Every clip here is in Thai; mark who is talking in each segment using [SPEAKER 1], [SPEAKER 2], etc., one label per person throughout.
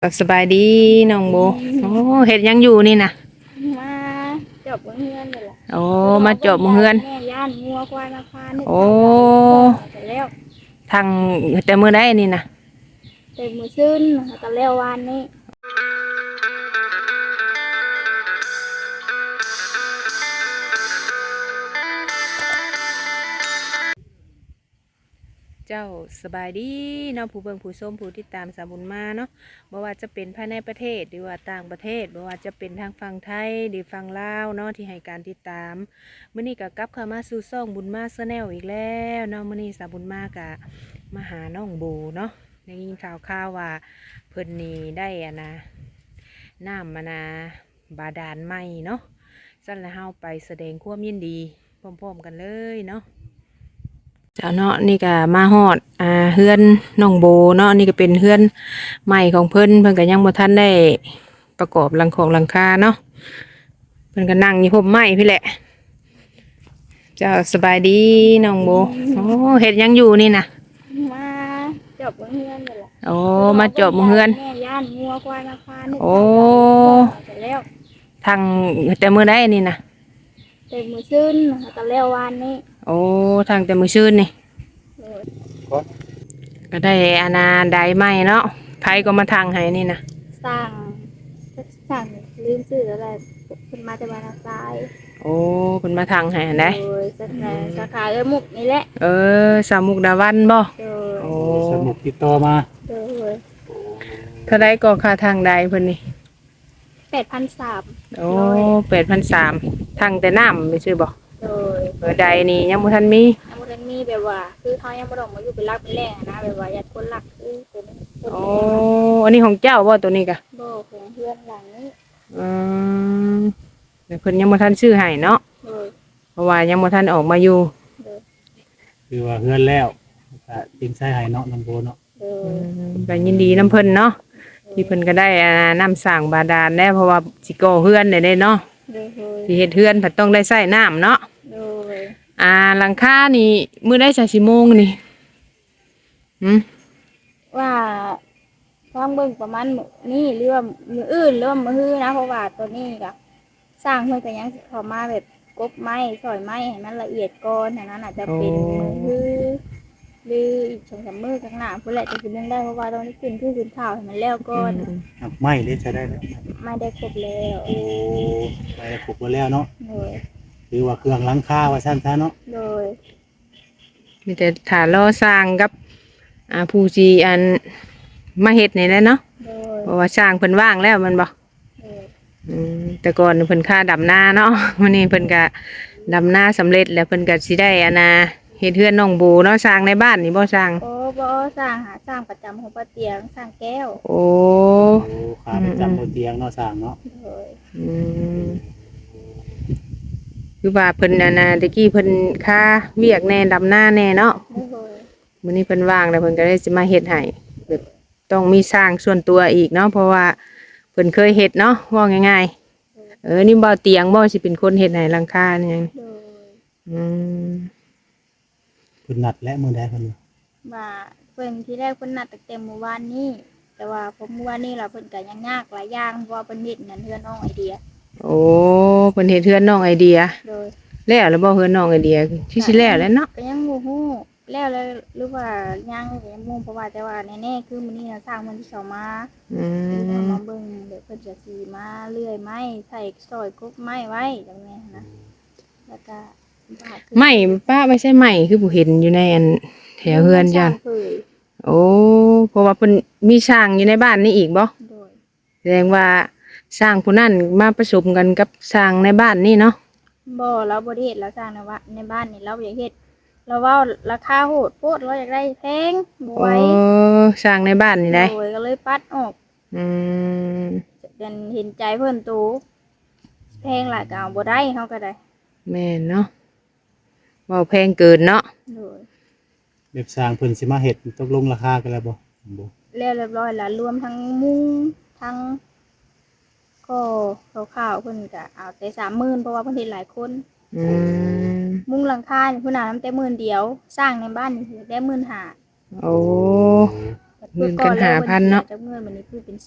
[SPEAKER 1] สบายดีน้องโบโอ้เฮ็ดหยังอยู่นี่นะ
[SPEAKER 2] มาจบเฮือนเลยล่ะ
[SPEAKER 1] โอ้
[SPEAKER 2] คือรอ
[SPEAKER 1] มาจ
[SPEAKER 2] เบิ่งยา
[SPEAKER 1] บเฮือน
[SPEAKER 2] แม่ย่านงัวควายมาพานึก
[SPEAKER 1] โอ้
[SPEAKER 2] ทางใดพ่อแต่แล้ว
[SPEAKER 1] ทางแต่มื้อใดนี่นะ
[SPEAKER 2] เต็มมือซึ้นแต่แล้ววานนี้
[SPEAKER 1] เจ้าสบายดีเนาะผู้เบิ่งผู้ชมผู้ติดตามสาวบุญมาเนาะบ่ว่าจะเป็นภายในประเทศหรือว่าต่างประเทศบ่ว่าจะเป็นทางฝั่งไทยหรือฝั่งลาวเนาะที่ให้การติดตามมื้อนี้ก็กลับเข้ามาสู่ช่องบุญมาชาแนลอีกแล้วเนาะมื้อนี้สาวบุญมาก็มาหาน้องโบเนาะได้ยินข่าวว่าเพิ่นนี่ได้น้ำบาดาลใหม่เนาะสั่นแล้วเฮาไปแสดงความยินดีพร้อมๆกันเลยเนาะเจ้าเนาะนี่ก็มาฮอดเฮือนน้องโบเนาะนี่ก็เป็นเฮือนใหม่ของเพิ่นก็ยังบ่ทันได้ประกอบหลังคาเนาะเพิ่นก็นั่งอยู่ห่มไม้พี่แหละเจ้าสบายดีน้องโบโอ้เฮ็ดหยังอยู่นี่นะ
[SPEAKER 2] มาจบเฮือนเลยล่ะ
[SPEAKER 1] โอ้
[SPEAKER 2] คือรอ
[SPEAKER 1] มาจ
[SPEAKER 2] เบิ่ง
[SPEAKER 1] บเฮือน
[SPEAKER 2] แม่ย่านงัวควายมาพานึก
[SPEAKER 1] โอ้
[SPEAKER 2] ทางใดพ่อแต่แล้ว
[SPEAKER 1] ทางแต่มื้อใดนี่นะ
[SPEAKER 2] เต็มมือซึ้นแต่แล้ววานนี้
[SPEAKER 1] โอ้ทางแต่มื้อชื่นนี่
[SPEAKER 2] โอ้ย
[SPEAKER 1] ก็ได้ได้ใหม่เนาะไผก็มาทางให้นี่นะ
[SPEAKER 2] สร้างสร้างลืมชื่ออะไรขึ้นมาแต่บ้านซ้าย
[SPEAKER 1] โอ้เพิ่นมาทางให้ได้
[SPEAKER 2] โดยสาขามุกนี่แหละ
[SPEAKER 1] สามมุกดาวันบ่
[SPEAKER 2] โดย
[SPEAKER 1] โอ้
[SPEAKER 3] สมุกติดต่อมา
[SPEAKER 2] โดย
[SPEAKER 1] เท่าไรก็ค่าทางใดเพิ่นนี่
[SPEAKER 2] 8,300
[SPEAKER 1] โอ้8,300ทางแต่น้ำไม่ชื่อบ่
[SPEAKER 2] โดย
[SPEAKER 1] ใดนี่ยังบ่ทันมี
[SPEAKER 2] ยังบ่ทันมีแบบว่าคือเขายังบ่ต้องมาอยู่เป็นหลักเป็นแหล่งอะนะแบบว่าญาติคนหลักคือเป็นคน
[SPEAKER 1] โอ้
[SPEAKER 2] เป็นหลัก
[SPEAKER 1] อันนี้ของเจ้าบ่ตัวนี้กะ
[SPEAKER 2] บ่ของเพื่อนหลังนี้
[SPEAKER 1] อืมแต่เพิ่นยังบ่ทันซื้อให้เนาะ
[SPEAKER 2] โดย
[SPEAKER 1] เพราะว่ายังบ่ทันออกมาอยู่
[SPEAKER 2] โดย
[SPEAKER 3] คือว่าเฮือนแล้วก็จริงใช้ให้เนาะน้องโบเนาะ
[SPEAKER 2] โดย
[SPEAKER 1] ก็ยินดีนํเพิ่นเนาะที่เพิ่นก็ได้น้ำสร้างบาดาลแล้วเพราะว่าสิก่อเฮือนได้เนาะ
[SPEAKER 2] โดยโดย
[SPEAKER 1] สิเฮ็ดเฮือนเพิ่นต้องได้ใช้น้ำเนาะ
[SPEAKER 2] โดย
[SPEAKER 1] หลังคานี่มื้อได้สักชั่วโมงนี่
[SPEAKER 2] ว่าฟังเบิ่งประมาณมื้อนี้หรือว่ามื้ออื่นหรือว่ามื้อฮื้อนะเพราะว่าตัวนี้ก็สร้างเพิ่นก็ยังสิเข้ามาแบบกบไม้ซอยไม้ให้มันละเอียดก่อนอันนั้นอาจจะเป็นมื้อฮื้อหรืออีก2-3มื้อข้างหน้าพุ่นแหละจะสิเรื่องได้เพราะว่าตอนนี้ขึ้นข้าวให้มันแล้วก่อน
[SPEAKER 3] หักไม้ได้ใช้ได้แล้ว
[SPEAKER 2] ไม่ได้ครบแล้ว
[SPEAKER 3] โอ้ไปปลูกไว้แล้วเนาะ
[SPEAKER 2] โดย
[SPEAKER 3] คือว่าเครื่องหลังคาว่าซั่นซะเนาะ
[SPEAKER 2] โดย
[SPEAKER 1] มีแต่ฐานล่อสร้างกับผู้จีมาเฮ็ดนี่แหละเนาะ
[SPEAKER 2] โดย
[SPEAKER 1] เพราะว่าสร้างเพิ่นว่างแล้วมันบ่
[SPEAKER 2] โดย
[SPEAKER 1] แต่ก่อนเพิ่นค่าดำนาเนาะวันนี้เพิ่นก็ดำนาสำเร็จแล้วเพิ่นก็สิได้เฮ็ดเฮือนน้องโบเนาะสร้างในบ้านนี่บ่สร้าง
[SPEAKER 2] โอ้บ่สร้างประจำของป้าเตียงสร้างแก้ว
[SPEAKER 1] โอ้
[SPEAKER 3] โอ้ขาประจำบนเตียงเนาะสร้างเนาะ
[SPEAKER 2] โดย
[SPEAKER 1] อืมคือว่าเพิ่นตะกี้เพิ่นค่าเวียกแน่ดำนาแน่เนาะ
[SPEAKER 2] โดย
[SPEAKER 1] มื้อนี้เพิ่นว่างแล้วเพิ่นก็เลยสิมาเฮ็ดให้แบบต้องมีสร้างส่วนตัวอีกเนาะเพราะว่าเพิ่นเคยเฮ็ดเนาะว่าง่ายๆนี่บ่เตียงบ่สิเป็นคนเฮ็ดให้หลังคานี่หยัง
[SPEAKER 2] โดย
[SPEAKER 1] อืม
[SPEAKER 3] เพิ่นนัดและมื้อใดเพิ่น
[SPEAKER 2] ว่าเพิ่นที่แรกเพิ่นนัดตั้งแต่เมื่อวานนี้แต่ว่าพอเมื่อวานนี้ล่ะเพิ่นก็ยังยากหลายอย่างเพราะว่าเพิ่นเฮ็ดนั่นเฮือนน้องไอเดีย
[SPEAKER 1] โอ้เพิ่นเฮ็ดเฮือนน้องไอเดีย
[SPEAKER 2] โดย
[SPEAKER 1] แล้วบ่เฮือนน้องไอเดียที่สิแล้วแหล้วเนาะ
[SPEAKER 2] ก็ยังบ่ฮู้แล้วเลยหรือว่ายังก็ยังบ่ฮู้เพราะว่าแต่ว่าแน่ๆคือมื้อนี้น่ะสร้างมันที่เข้ามา
[SPEAKER 1] อื
[SPEAKER 2] คือเขา
[SPEAKER 1] ม
[SPEAKER 2] มาเบิ่งเดี๋ยวเพิ่นจะสีมาเลื่อยไม้ใส่ซอยกบไม้ไว้จังนี้นะแล้วก็
[SPEAKER 1] ไม้ป้าไม่ใช่ไม้คือผู้เห็นอยู่ในแถวเฮือนจ้ะโอ้เพราะว่าเพิ่นมีช้างอยู่ในบ้านนี่อีกบ่
[SPEAKER 2] โดย
[SPEAKER 1] แสดงว่าช้างผู้นั้นมาผสมกันกับช้างในบ้านนี่เนาะ
[SPEAKER 2] บ่เราบ่ได้เฮ็ดแล้วสร้างนะว่าในบ้านนี่เราอยากเฮ็ดเราเว้าราคาโหดโพดเราอยากได้แพงบ่ไหว
[SPEAKER 1] ช้างในบ้านนี่ได้
[SPEAKER 2] โดยก็เลยปัดออก
[SPEAKER 1] อืม
[SPEAKER 2] เป็นเห็นใจเพิ่นตูแพงหลายก็เอาบ่ได้เฮาก็ได้
[SPEAKER 1] แม่นเนาะเว้าแพงเกินเนาะ
[SPEAKER 2] โดย
[SPEAKER 3] แบบสร้างเพิ่นสิมาเฮ็ดตกลงราคากันแล้วบ่บ่
[SPEAKER 2] แล้วเรียบร้อยแล้วรวมทั้งมุ้งทั้งก็คร่าวๆเพิ่นก็เอาแต่30,000เพราะว่าเพิ่นเฮ็ดหลายคน
[SPEAKER 1] อืม
[SPEAKER 2] มุ้งหลังคานี่เพิ่นเอานำแต่10,000เดียวสร้างในบ้านนี่ได้15,000
[SPEAKER 1] โอ้
[SPEAKER 2] ก็
[SPEAKER 1] หมื่นกัน5,000เนาะ
[SPEAKER 2] จากเงินวันนี้คือเป็น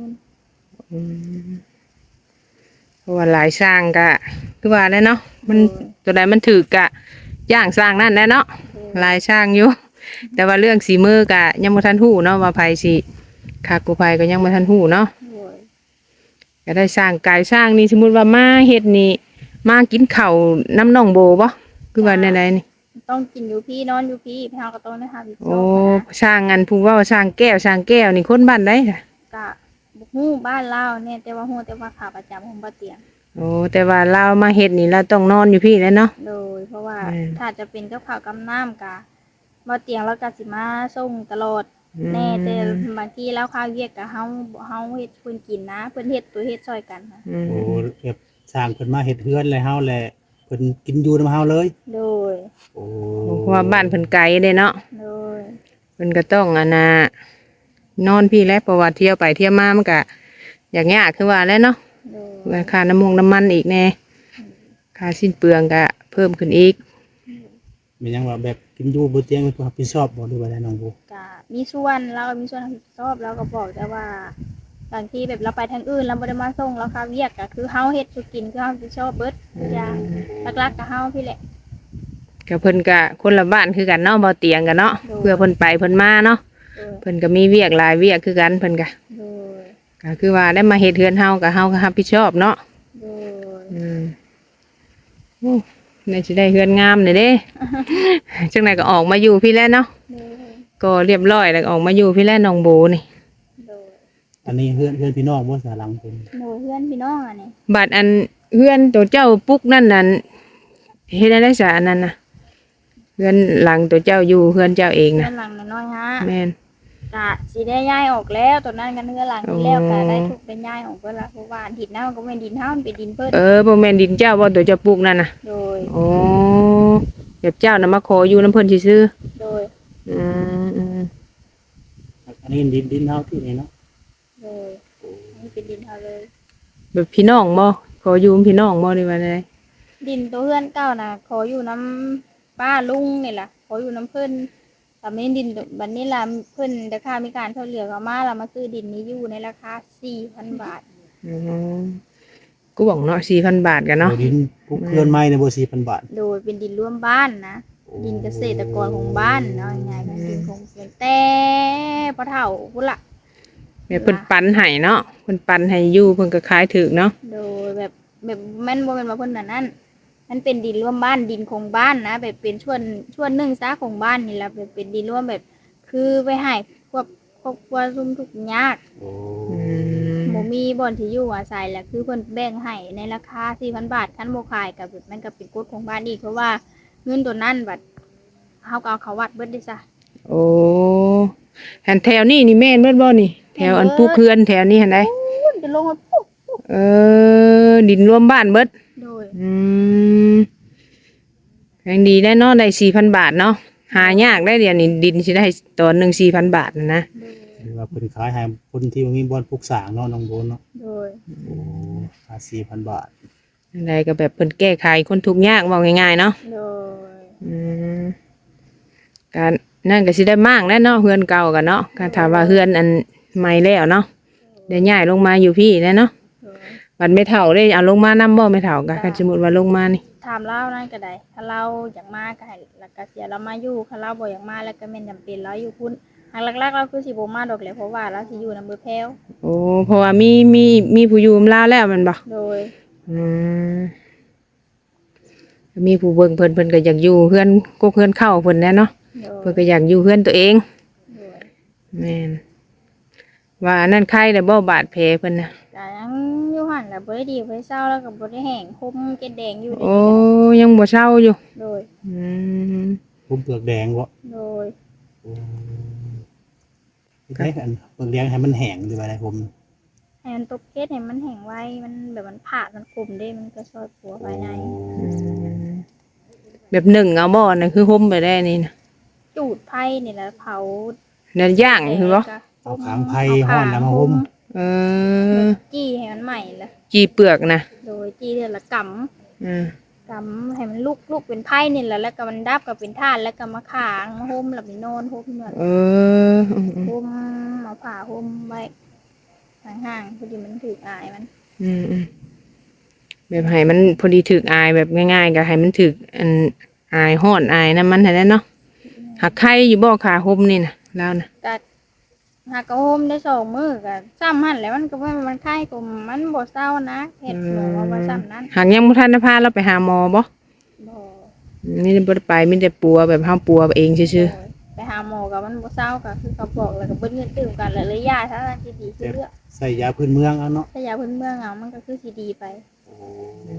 [SPEAKER 2] 40,000
[SPEAKER 1] อืมเพราะว่าหลายสร้างก็คือว่าแล้วเนาะมันตัวใดมันถือกะย่างสร้างนั่นแหละเนาะหลายสร้างอยู่แต่ว่าเรื่องสีมือกะยังบ่ทันฮู้เนาะว่าไผสิคักกูไผก็ยังบ่ทันฮู้เนาะ
[SPEAKER 2] โดย
[SPEAKER 1] ก็ได้สร้างกายสร้างนี่สมมุติว่ามาเฮ็ดนี่มากินข้าวน้ำน้องโบบ่คือว่าแนวใดนี่
[SPEAKER 2] ต้องกินอยู่พี่นอนอยู่พี่พี่เฮาก็ต้องได้หาอีก
[SPEAKER 1] โอ้สร้างอันผู้เว้าสร้างแก้วสร้างแก้วนี่คนบ้านใดค่ะ
[SPEAKER 2] กะบ่ฮู้บ้านลาวเนี่ยแต่ว่าฮู้แต่ว่าขาประจำของบ่เตียง
[SPEAKER 1] โอ้แต่ว่าเรามาเฮ็ดนี่เราต้องนอนอยู่พี่แหล้วเนาะ
[SPEAKER 2] โดยเพราะว่า
[SPEAKER 1] อืม
[SPEAKER 2] ถ้าจะเป็นกับข้าวกับน้ำกะบ่เตียงแล้วก็สิมาส่งตลอดแน่แต่บางทีแล้วข้าวเวียกกะเฮาเฮ็ดเพิ่นกินนะเพิ่นเฮ็ดตัวเฮ็ดช่วยกันค่ะ
[SPEAKER 1] อืม
[SPEAKER 3] โอ้แบบสร้างเพิ่นมาเฮ็ดเฮือนเลยเฮาแหละเพิ่นกินอยู่นำเฮาเลย
[SPEAKER 2] โดย
[SPEAKER 3] โอ้
[SPEAKER 1] เพราะว่าบ้านเพิ่นไกลเด้เนาะ
[SPEAKER 2] โดย
[SPEAKER 1] เพิ่นก็ต้องอันน่ะนอนพี่แหล้วเพราะว่าเที่ยวไปเที่ยวมามันก็อย่างยากคือว่าแหล้วเนาะ
[SPEAKER 2] โดย
[SPEAKER 1] ราคาน้ำมันอีกแน่ค่าสิ้นเปลืองก็เพิ่มขึ้นอีก
[SPEAKER 3] มีหยังว่าแบบกินอยู่บ่เตียงเพิ่นรับผิดชอบบ่หรือว่าได้น้องโบ
[SPEAKER 2] กะมีส่วนเราก็มีส่วนรับผิดชอบแล้วก็บอกแต่ว่าบางทีแบบเราไปทางอื่นเราบ่ได้มาส่งเราข้าวเวียกก็คือเฮาเฮ็ดสุกินคือเฮารับผิดชอบเบิดทุกอย่างหลักๆก็เฮาพี่แหละ
[SPEAKER 1] ก็เพิ่นก็คนละบ้านคือกันเนาะบ่เตียงกันเนาะ
[SPEAKER 2] โดย
[SPEAKER 1] เพื่อเพิ่นไปเพิ่นมาเนาะ
[SPEAKER 2] โดย
[SPEAKER 1] เพิ่นก็มีเวียกหลายเวียกคือกันเพิ่นก็
[SPEAKER 2] โดย
[SPEAKER 1] ก็คือว่าได้มาเฮ็ดเฮือนเฮาก็เฮาก็รับผิดชอบเนาะ
[SPEAKER 2] โดย
[SPEAKER 1] อืมโอ้นี่สิได้เฮือนงามเลยเด้ จังไดก็ออกมาอยู่พี่แล้วเนาะ
[SPEAKER 2] โดย
[SPEAKER 1] ก็เรียบร้อยแล้วก็ออกมาอยู่พี่แล้วน้องโบนี่
[SPEAKER 2] โดย
[SPEAKER 3] อันนี้เฮือนพี่น้องบ่สาหลังเพิ่น
[SPEAKER 2] โดยเพื่อนพี่น้องอันนี้
[SPEAKER 1] บัดอันเฮือนตัวเจ้าปุ๊กนั่นน่ะเฮ็ดได้ซะอันนั้นน่ะเฮือนหลังตัวเจ้าอยู่เฮือนเจ้าเอง
[SPEAKER 2] เพื่อ
[SPEAKER 1] น่ะ
[SPEAKER 2] นหลังน้อยๆฮะ
[SPEAKER 1] แม่น
[SPEAKER 2] กะสิได้ย้ายออกแล้วตอนนั้นกันเพื่อนหลังที่แล้วก็
[SPEAKER 1] อ๋อ
[SPEAKER 2] ได้ถูกได้ย้ายออกเพิ่นละเพราะว่าดินน้ามันก็เป็นดินเฮามันเป็นดินเพิ่น
[SPEAKER 1] บ่แม่นดินเจ้าบ่ตัวเจ้าปลูกนั่นน่ะ
[SPEAKER 2] โดย
[SPEAKER 1] อ๋อแบบเจ้าน่ะมาขออยู่น้ำเพิ่นซื่อ
[SPEAKER 2] โดย
[SPEAKER 1] ๆอืม
[SPEAKER 3] อันนี้ดินเฮาที่นี่เนาะ
[SPEAKER 2] โดยนี่เป็นดินเฮาเลย
[SPEAKER 1] แบบพี่น้องบ่ขออยู่พี่น้องบ่ได้ว่าได
[SPEAKER 2] ดินตัวเพื่อนเก่าน่ะขออยู่น้ำป้าลุงนี่ล่ะขออยู่น้ำเพิ่นแต่ไม่ดินบัดนี้ล่ะเพิ่นราคามีการเท่าเหลือเขามาแล้วมาซื้อดินนี้อยู่ในราคา 4,000 บาท
[SPEAKER 1] อืมกูบอกเนาะ 4,000 บาทกันเนาะ
[SPEAKER 3] โอ้ดินปลูกเฮือนใหม่เนี่ยบ่ 4,000 บาท
[SPEAKER 2] โดยเป็นดินร่วมบ้านนะ ดินเกษตรกรของบ้านเนาะง่ายๆก็ดินของเพิ่นแต่พ่อเฒ่าพุ่นล่ะ
[SPEAKER 1] แบบเพิ่นปันให้เนาะเพิ่นปันให้อยู่เพิ่นก็ขายถูกเนาะ
[SPEAKER 2] โดยแบบแม่นบ่แม่นว่าเพิ่นนั่นมันเป็นดินร่วมบ้านดินของบ้านนะแบบเป็นช่วงหนึ่งซะของบ้านนี่แหละแบบเป็นดินร่วมแบบ คือไปให้พวกครอบครัวซุ่มทุกข์ยาก
[SPEAKER 3] โอ้
[SPEAKER 1] อืม
[SPEAKER 2] บ่มีบ่อนที่อยู่อาศัยแหละคือเพิ่นแบ่งให้ในราคา 4,000 บาทคันบ่ขายก็แบบมันก็เป็นกฎของบ้านอีกเพราะว่าเงินตัวนั้นบัดเฮาก็เอาเขาวัดเบิดได้ซะ
[SPEAKER 1] โอ้หันแถวนี้นี่แม่นเบิดบ่นี่ แถวอันปลูกเฮือนแถวนี้หันใด
[SPEAKER 2] พุ่นจะลงมาปุ๊บ
[SPEAKER 1] ดินรวมบ้านเบิด
[SPEAKER 2] โดย
[SPEAKER 1] อืมยังดีได้เนาะได้ 4,000 บาทเนาะหายากได้เดี๋ยวนี้ดินสิได้ตอนหนึง 4,000 บาทนะ
[SPEAKER 2] โดย
[SPEAKER 3] หรือว่าเพิ่นขายให้คนที่บ่มีบ่อนปลูกสร้างเนาะน้องโบเนาะ
[SPEAKER 2] โดย
[SPEAKER 3] โอ้ค่า 4,000 บาท
[SPEAKER 1] อะไรก็แบบเพิ่นแก้ไขคนทุกข์ยากเว้าง่ายๆเนาะ
[SPEAKER 2] โดย
[SPEAKER 1] อืมการนั่นก็สิได้มากแน่เนาะเฮือนเก่ากันเนาะก็ถามว่าเฮือนอันใหม่แล้วเนาะได้ย้ายลงมาอยู่พี่แล้วเนาะ
[SPEAKER 2] โดย
[SPEAKER 1] บัดไม่เฒ่าได้เอาลงมานำบ่ไม่เฒ่าก็คันสมมุติว่าลงมานี่
[SPEAKER 2] ถามเรานั่นก็ได้ถ้าเราอยากมาก็ให้แล้วก็เสียเรามาอยู่ถ้าเราบ่อยากมาแล้วก็แม่นจำเป็นเราอยู่พุ่นทางหลักๆเราคือสิบ่มาดอกแหละเพราะว่าเราสิอยู่นำเบอร์แพรว
[SPEAKER 1] โอ้เพราะว่ามีผู้อยู่ลาวแล้วแมันบ่
[SPEAKER 2] โดย
[SPEAKER 1] อืมมีผู้เบิ่งเพิ่นก็อยากอยู่เฮือนก็เฮือนเข้าเพิ่นแน่เนาะ
[SPEAKER 2] โด
[SPEAKER 1] เพิ่น
[SPEAKER 2] ย
[SPEAKER 1] ก็อยากอยู่เฮือนตัวเอง
[SPEAKER 2] โดย
[SPEAKER 1] แม่นว่าอันนั้นใครได้บ่บาดแผลเพิ่นน่ะ
[SPEAKER 2] ก็ยังอยู่หั่นล่ะบ่ได้ดีบ่ได้เศร้าแล้วก็บ่ได้แห้งคมเกล็ดแดงอยู่
[SPEAKER 1] โอ้ยังบ่เศร้าอยู่
[SPEAKER 2] โดย
[SPEAKER 1] อืม
[SPEAKER 3] ผมเปลือกแดงบ่
[SPEAKER 2] โดย
[SPEAKER 3] โอ้ให้อันเปลือกแดงให้มันแห้งดีว่าได้ผม
[SPEAKER 2] ให้มันตกเกล็ดให้มันแห้งไวมันแบบมันผาดมันกลมได้มันก็ช่วยปัวภายใน
[SPEAKER 1] อืมแบบหนึ่งเอาบ่น่ะคือห่มไปได้นี่นะ
[SPEAKER 2] จูดไผ่นี่แหละเผา
[SPEAKER 1] นั่นย่างคือบ่
[SPEAKER 3] เอาขางไผ่ฮ้อนแล้วมาห่ม
[SPEAKER 1] เอ
[SPEAKER 2] แล้
[SPEAKER 1] อ
[SPEAKER 2] วจี้ให้มันใหม่ละ
[SPEAKER 1] จีเปลือกนะ
[SPEAKER 2] โดยจี้เดือนละก
[SPEAKER 1] อืม
[SPEAKER 2] ำกำให้มันลุกเป็นไผ่นี่แหละแล้วก็มันดับก็เป็นถ่านแล้วก็มาขางมาห่มแล้วไปนอนห่มนอน
[SPEAKER 1] เอออืม
[SPEAKER 2] ห่มเอาผ้าห่มไว้ห่างๆพอดีมันถืออายมัน
[SPEAKER 1] อืมอืมแบบให้มันพอดีถึกอายแบบง่ายๆก็ให้มันถึกอันอายฮ้อนอายน้ำมันให้ได้เนาะหักไข่อยู่บ่ขาห่มนี่นะแล้วนะ
[SPEAKER 2] ก็หากก็ห่มได้2 มื้อก็ซ้ำหั่นแหล้วมันก็ว่ามันไข้ก็มันบ่เศร้านะเฮ็ดหมอว่าซ้ำนั้น
[SPEAKER 1] หากยังบ่ทันได้พาเราไปหาหมอบ่
[SPEAKER 2] บ่
[SPEAKER 1] นี่บ่ได้ไปมีแต่ปัวแบบเฮาปัวเองซื่อ
[SPEAKER 2] ไปหาหมอก็มันบ่เศร้าก็คือเขาบอกแล้วก็เบิดเงินตื่มกันแล้วเลยยาถ้าสิดีคือเลือก
[SPEAKER 3] ใส่ยาพื้นเมืองเอาเนาะ
[SPEAKER 2] ถ้ายาพื้นเมืองเอามันก็คือสิดีไป
[SPEAKER 3] โอ้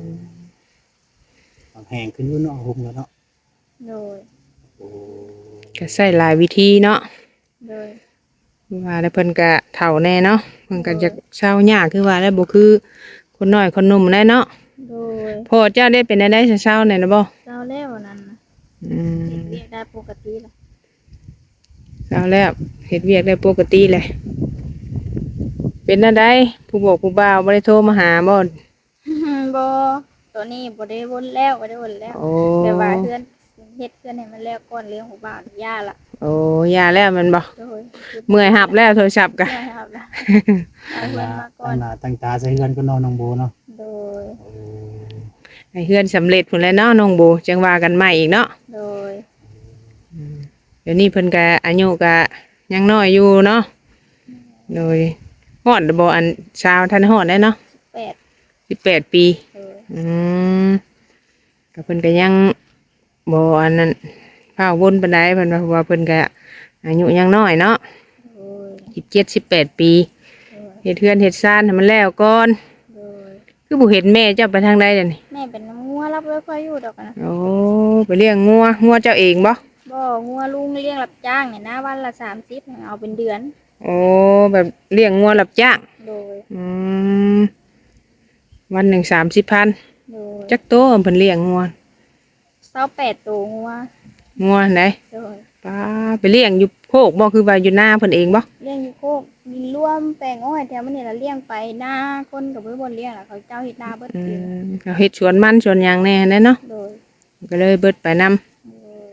[SPEAKER 3] แห้งขึ้นอยู่เนาะห่มแล้วเนาะ
[SPEAKER 2] โดย
[SPEAKER 3] โอ้
[SPEAKER 1] ๆก็ใช้หลายวิธีเนาะ
[SPEAKER 2] โดย
[SPEAKER 1] ว่าแล้วเพิ่นก็เฒ่าแน่เนาะเพิ่นก็จะเศร้ายากคือว่าแล้วบ่คือคนน้อยคนหนุ่มแน่เนาะ
[SPEAKER 2] โดย
[SPEAKER 1] พ่อเจ้าได้เป็นได้เศร้าๆแน่นะบ่
[SPEAKER 2] เศร้าแล้วนั้นนะ
[SPEAKER 1] อืม
[SPEAKER 2] เฮ็ดเวียกได้ปกติล่ะ
[SPEAKER 1] เศร้าแล้วเฮ็ดเวียกได้ปกติเลยเป็นจังไดผู้บอกผู้บ่าวบ่ได้โทรมาหาบ่
[SPEAKER 2] บ่ตัวนี้บ่ได้วนแล้วบ่ได้วนแล้ว
[SPEAKER 1] โอ้
[SPEAKER 2] แต่ว่าเฮือนเฮ็ดเฮือนให้มันแล้วก่อนเรื่องของบ้านย่าล่ะ
[SPEAKER 1] โอ้ยาแล้วแมันบ่
[SPEAKER 2] โดย
[SPEAKER 1] เมื่อยหับแล้วโทรศัพท์กะ
[SPEAKER 2] ใช่ครับล่ะเอา
[SPEAKER 3] ตั้ง
[SPEAKER 2] เฮื
[SPEAKER 3] ห
[SPEAKER 2] อน
[SPEAKER 3] น้า
[SPEAKER 2] มาก่อ
[SPEAKER 3] ตั้
[SPEAKER 2] น
[SPEAKER 3] งหน้าตั้งตาใส่เฮือนก็นอนน้องโบเนาะ
[SPEAKER 2] โดย
[SPEAKER 3] โอ้
[SPEAKER 1] ให้เฮือนสำเร็จพุ่นแหล้วเนาะน้องโบจังว่ากันใหม่อีกเนาะ
[SPEAKER 2] โดย
[SPEAKER 1] เดี๋ยวนี้เพิ่นก็อายุก็ยังน้อยอยู่เนาะโดยฮอดบ่อันชาวทันฮอดได้เนาะ
[SPEAKER 2] 8
[SPEAKER 1] 18 ปี
[SPEAKER 2] โดย
[SPEAKER 1] อืมก็เพิ่นก็ยังบ่อันนั้นพาวนปานใดเพิ่นว่าเพราะว่าเพิ่นก็อายุยังน้อยเนาะ
[SPEAKER 2] โดย
[SPEAKER 1] 17 18 ปี
[SPEAKER 2] โดย
[SPEAKER 1] เฮ็ดเฮือนเฮ็ดซ่านให้มันแล้วก่อน
[SPEAKER 2] โดย
[SPEAKER 1] คือบ่เห็นแม่เจ้าไปทางใดเดี๋ยวนี้
[SPEAKER 2] แม่เป็นน้ำงัวรับไว้ค่อยอยู่ดอกนะ
[SPEAKER 1] โอ้ไปเลี้ยงงัวเจ้าเองบ่
[SPEAKER 2] บ่งัวลุงเลี้ยงรับจ้างเนี่ยนะวันละ30เอาเป็นเดือน
[SPEAKER 1] โอ้แบบเลี้ยงงัวรับจ้าง
[SPEAKER 2] โดย
[SPEAKER 1] อืมวันหนึ่ง30,000
[SPEAKER 2] โดย
[SPEAKER 1] จักโตเพิ่นเลี้ยงงัว
[SPEAKER 2] 28ตัวงัว
[SPEAKER 1] งัวไหน
[SPEAKER 2] โดย
[SPEAKER 1] ป้าไปเลี้ยงอยู่โคกบ่คือว่าอยู่นาเพิ่นเองบ่
[SPEAKER 2] เลี้ยงอยู่โคกดินร่วมแปลงอ้อยแถวมันนี่ละเลี้ยงไปหน้าคนกับเพื่อนบนเลี้ยงล่ะเขาเจ้าเฮ็ดนาเบิด
[SPEAKER 1] อื
[SPEAKER 2] เอง
[SPEAKER 1] มเขาเฮ็ดสวนมันสวนหยางแน่นั่นเนาะ
[SPEAKER 2] โดย
[SPEAKER 1] ก็เลยเบิดไปนำ
[SPEAKER 2] โดย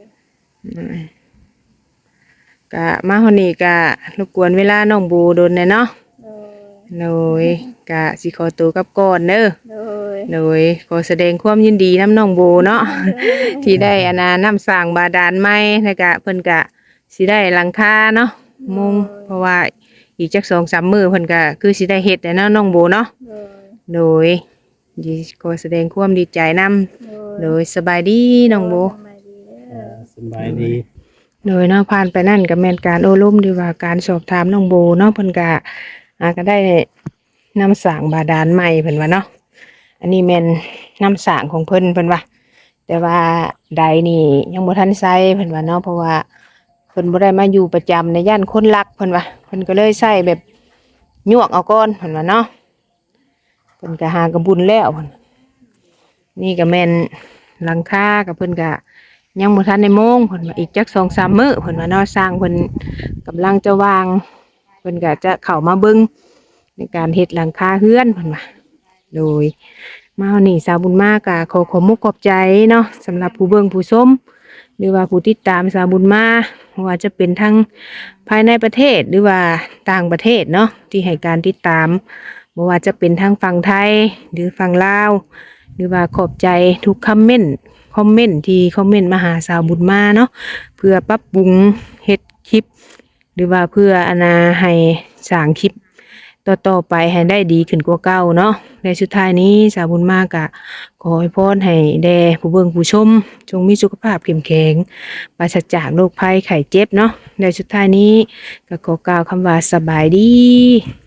[SPEAKER 1] ก็มาฮอดนี้ก็รบกวนเวลาน้องบูโดนแน่เนาะ
[SPEAKER 2] โดย
[SPEAKER 1] โดยก็สิขอตัวกลับก่อนเด้อ
[SPEAKER 2] โดย
[SPEAKER 1] โดยขอแสดงความยินดีน้ำน้องโบเนาะ ที่ได้อานาน้ำสร้างบาดาลใหม่แล้วก็เพิ่นก็สิได้หลังคาเนาะมุงเพราะว่าอีกจัก2-3 มื้อเพิ่นก็คือสิได้เฮ็ดแล้วเนาะน้องโบเนาะ
[SPEAKER 2] โดย
[SPEAKER 1] โดยขอแสดงความดีใจนำโดยสบายดีน้องโบ
[SPEAKER 2] สบายดีเด้อ
[SPEAKER 3] สบายดี
[SPEAKER 1] โดยเนาะผ่านไปนั่นก็แม่นการโอ้ล้มดีว่าการสอบถามน้องโบเนาะเพิ่นก็ก็ได้น้ำสร้างบาดาลใหม่เพิ่นว่าเนาะอันนี้แม่นน้ำสร้างของเพิ่นเพิ่นว่า แต่ว่าใดนี่ยังบ่ทันใช้เพิ่นว่าเนาะเพราะว่าเพิ่นบ่ได้มาอยู่ประจำในย่านคนรักเพิ่นว่าเพิ่นก็เลยใช้แบบยวกเอาก่อนเพิ่นว่าเนาะเพิ่นก็หากระบุญแล้วเพิ่นนี่ก็แม่นหลังคากับเพิ่นก็ยังบ่ทันได้โมงเพิ่นว่าอีกจัก2-3 มื้อเพิ่นว่าเนาะสร้างเพิ่นกำลังจะวางเพิ่นก็จะเข้ามาเบิ่งในการเฮ็ดหลังคาเฮือนเพิ่นว่าโดย มาวันนี้สาวบุญมากะขอมุกขอบใจเนาะสำหรับผู้เบิ่งผู้ชมหรือว่าผู้ติดตามสาวบุญมาว่าจะเป็นทั้งภายในประเทศหรือว่าต่างประเทศเนาะที่ให้การติดตามบ่ว่าจะเป็นทั้งฝั่งไทยหรือฝั่งลาวหรือว่าขอบใจทุกคอมเมนต์ที่คอมเมนต์มาหาสาวบุญมาเนาะเพื่อปรับปรุงเฮ็ดคลิป หรือว่าเพื่ออนาให้สร้างคลิป ต่อไปให้ได้ดีขึ้นกว่าเก่าเนาะในสุดท้ายนี้สาวบุญมากะขอให้พรให้แด่ผู้เบิ่งผู้ชมจงมีสุขภาพเข้มแข็งปราศจากโรคภัยไข้เจ็บเนาะในสุดท้ายนี้ก็ขอกล่าวคำว่าสบายดี